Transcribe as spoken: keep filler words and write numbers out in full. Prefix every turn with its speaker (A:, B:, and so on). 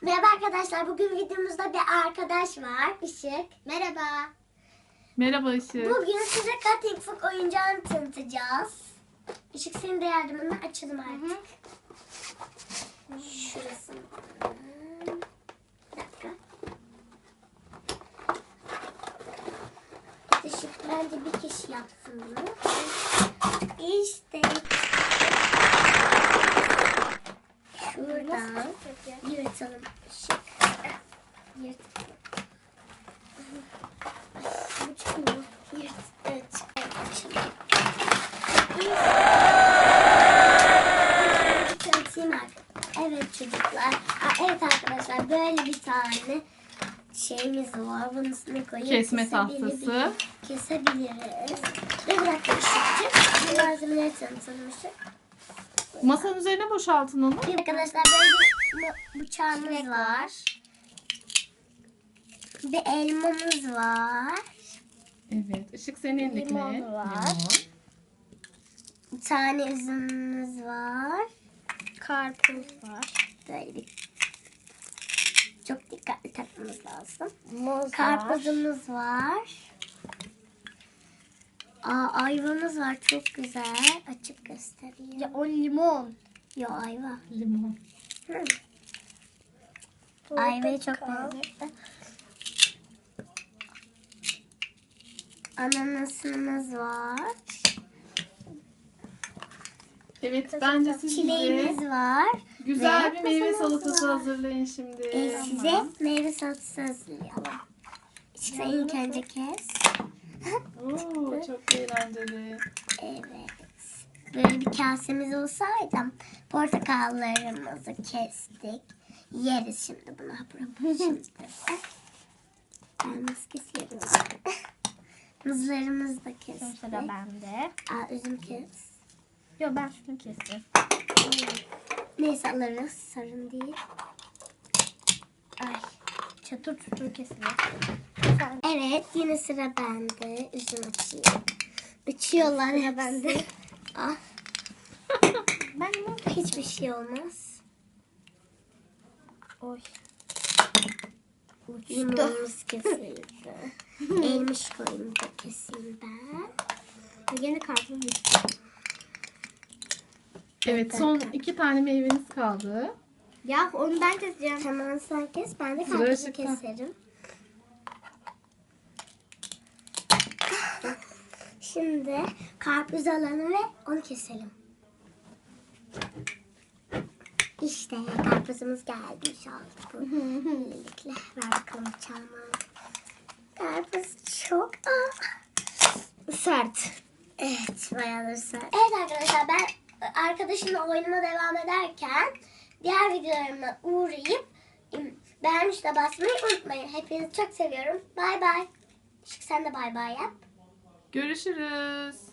A: Merhaba arkadaşlar. Bugün videomuzda bir arkadaş var. Işık. Merhaba.
B: Merhaba Işık.
A: Bugün size Cutting Fook oyuncağını tanıtacağız. Işık senin de yardımınla açalım artık. Şurası. Bir dakika. Işık bence bir kişi yapsın bunu. İşte. Şuradan yırtalım. Işık. Yırt. Bu çıkmıyor. Yırt. Evet. Evet. Açalım. Tanıtayım artık. Evet çocuklar. Aa, evet arkadaşlar böyle bir tane şeyimiz var. Bunun üstüne koyup
B: Kesme tahtası.
A: Kesebiliriz. Ve bir dakika Işık'cığım. Bu malzemeleri tanıtalım Işık.
B: Masanın üzerine boşaltın onu.
A: Arkadaşlar böyle bir bıçağımız var. Bir elmamız var.
B: Evet. Işık senin elindeki ne?
A: Limon var. Bir tane üzümümüz var. Karpuz var. Böyle bir çok dikkatli takmamız lazım. Muz Karpuzumuz var. var. Aa, ayvamız var. Çok güzel. Açıp göstereyim. Ya o limon. Ya ayva.
B: Limon.
A: Hı. Ayvayı çok beğendim. Ananasımız var.
B: Evet, bence siz
A: Çileğimiz
B: bize
A: var.
B: güzel
A: Ve
B: bir meyve
A: masamız
B: salatası
A: var.
B: hazırlayın şimdi.
A: Ee, size meyve salatası hazırlayalım. İşte ilk önce kes.
B: Oo, çok eğlenceli.
A: Evet. Böyle bir kasemiz olsaydı portakallarımızı kestik. Yeriz şimdi bunu. Hapur şimdi. Ben nasıl kesiyorum? Muzlarımızı da kestik.
C: Sıra bende.
A: Aa, üzüm kes.
C: Yok ben şunu kestim.
A: Neyse alırız. Sorun değil. Ay.
C: Çatır çutur kesilir.
A: Evet yine sıra bende. Üzüm açayım. Açıyorlar ya bende. Ah.
C: Ben bunu
A: Hiçbir şey olmaz.
C: oy.
A: Limonumuz kesildi. Elmiş koyunu da keseyim ben.
C: Yeni karpuz
B: Evet, son iki tane meyveniz kaldı.
C: Ya onu ben keseceğim.
A: Tamam sen kes. Ben de
B: Sıra
A: karpuzu
B: Işık'ta.
A: keserim. Şimdi karpuz alalım ve onu keselim. İşte karpuzumuz gelmiş oldu bu. Böylelikle ver bakalım bıçağımı. Karpuz çok ah, sert. Evet bayağı da sert. Evet arkadaşlar ben arkadaşımla oyunuma devam ederken diğer videolarıma uğrayıp beğenmiş de basmayı unutmayın. Hepinizi çok seviyorum. Bay bay. Işık sen de bay bay yap.
B: Görüşürüz.